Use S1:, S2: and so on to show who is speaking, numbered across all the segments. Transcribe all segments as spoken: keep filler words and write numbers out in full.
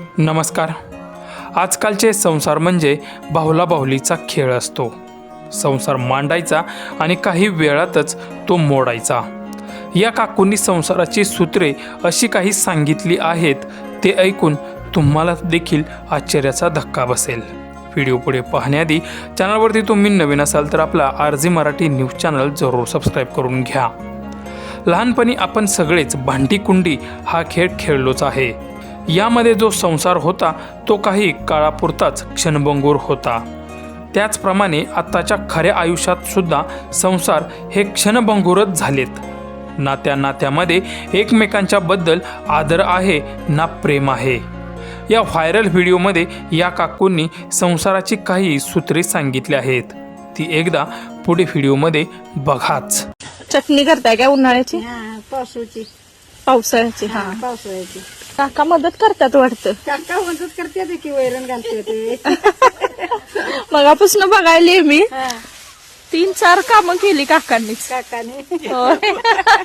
S1: नमस्कार. आजकालचे संसार म्हणजे बाहुला बाहुलीचा खेळ असतो. संसार मांडायचा आणि काही वेळातच तो मोडायचा. या काकूंनी संसाराची सूत्रे अशी काही सांगितली आहेत, ते ऐकून तुम्हाला देखील आश्चर्याचा धक्का बसेल. व्हिडिओ पुढे पाहण्याआधी चॅनलवरती तुम्ही नवीन असाल तर आपला R G Marathi news channel जरूर सबस्क्राईब करून घ्या. लहानपणी आपण सगळेच भांडी-कुंडी हा खेळ खेळलोच आहे. यामध्ये जो संसार होता तो काही काळापुरताच क्षणभंगूर होता. त्याचप्रमाणे आत्ताच्या खऱ्या आयुष्यात सुद्धा संसार हे क्षणभंगूरच झालेत. नात्या नात्यामध्ये एकमेकांच्या बद्दल आदर आहे ना प्रेम आहे. या व्हायरल व्हिडिओमध्ये या काकूंनी संसाराची काही सूत्रे सांगितली आहेत. ती एकदा पुढे व्हिडिओमध्ये बघाच.
S2: चटणी करताय काय उन्हाळ्याची?
S3: हा, पावसाची.
S2: पावसाळ्याची? हा.
S3: पावसाळ्याची.
S2: काका मदत करतात वाटतं.
S3: काका मदत करते ते की वैरण घालते ते.
S2: मगापासून बघायली मी
S3: हा,
S2: तीन चार कामं केली काकांनीच.
S3: काकाने.
S2: होय.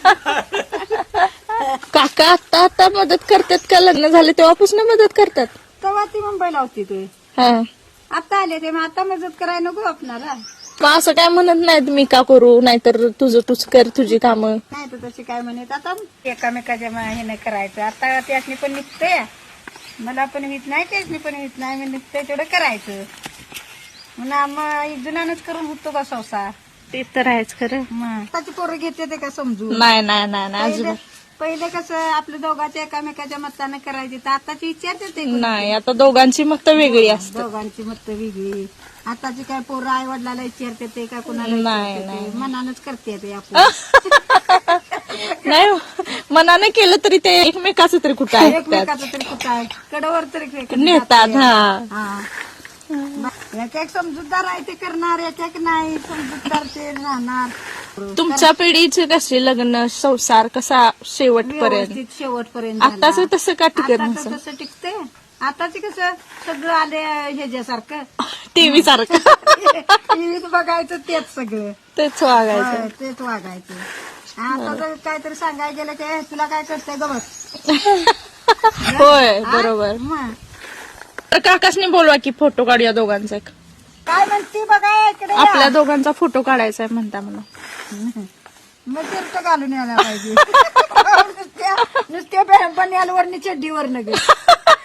S2: काका आता आता मदत करतात का? लग्न झाले तेव्हापासून मदत करतात?
S3: तेव्हा ती मुंबईला होती ते.
S2: हा.
S3: आता आले ते, मग आता मदत करायला नको आपणाला.
S2: मग असं काय म्हणत नाहीत मी का करू, नाहीतर तुझं तूच कर तुझी कामं.
S3: नाही तर तशी काय म्हणत आता एकामेकाच्या ह्याने करायचं. आता त्यासनी पण निघतंय, मला पण होत नाही, त्यासनी पण होत नाही, मी निघतंय तेवढं करायचं. म्हणून मग एक जणांनाच करून होतो का संसार.
S2: ते तर आहेच खरं.
S3: मग आताची पोरं घेते ते का समजून.
S2: नाही नाही नाही नाही
S3: पहिले
S2: अजिबात
S3: पहिले कसं आपल्या दोघांच्या एकामेकाच्या मतानं करायचे, तर आताची विचारते ते.
S2: नाही. आता दोघांची मत वेगळी असतात.
S3: दोघांची मत वेगळी. आताची काय पोरं आई वडिलाला विचारते ते का कुणाला
S2: नाही,
S3: विचारते
S2: नाही.
S3: ते. मनानच करते ते आपण.
S2: नाही मनाने केलं तरी ते एकमेकाचं तरी कुठं ऐकतात,
S3: एकमेकाचं तरी कुठं आहे, कडेवर तरी एकमेकाचं
S2: नेतात.
S3: जाते.
S2: हा.
S3: हा. एक एक समजूतदार आहे ते करणार, एक एक नाही समजूतदार ते राहणार.
S2: तुमच्या पिढीचे कसे लग्न संसार कसा शेवटपर्यंत?
S3: व्यवस्थित शेवटपर्यंत
S2: आताच
S3: झाला.
S2: तसं का टिकत
S3: आताचं
S2: नसेल?
S3: तसं टिकते. आताची कसं सगळं आले ह्याच्यासारखं.
S2: टीव्ही सारखं
S3: टीव्हीत बघायचं तेच सगळं.
S2: तेच वागायचं.
S3: होय, तेच वागायचं. आता जर काहीतरी सांगायला गेलं की "ए, तुला काय करतंय ग बस."
S2: होय बरोबर.
S3: मग
S2: तर काकासनी बोलवा की फोटो काढूया दोघांचा एक.
S3: काय म्हणती बघा इकडे या.
S2: आपल्या दोघांचा फोटो काढायचा आहे म्हणता मला.
S3: मग शर्ट घालून यायला पाहिजे. नुसत्या नुसत्या बनियालवर चड्डीवर नगे.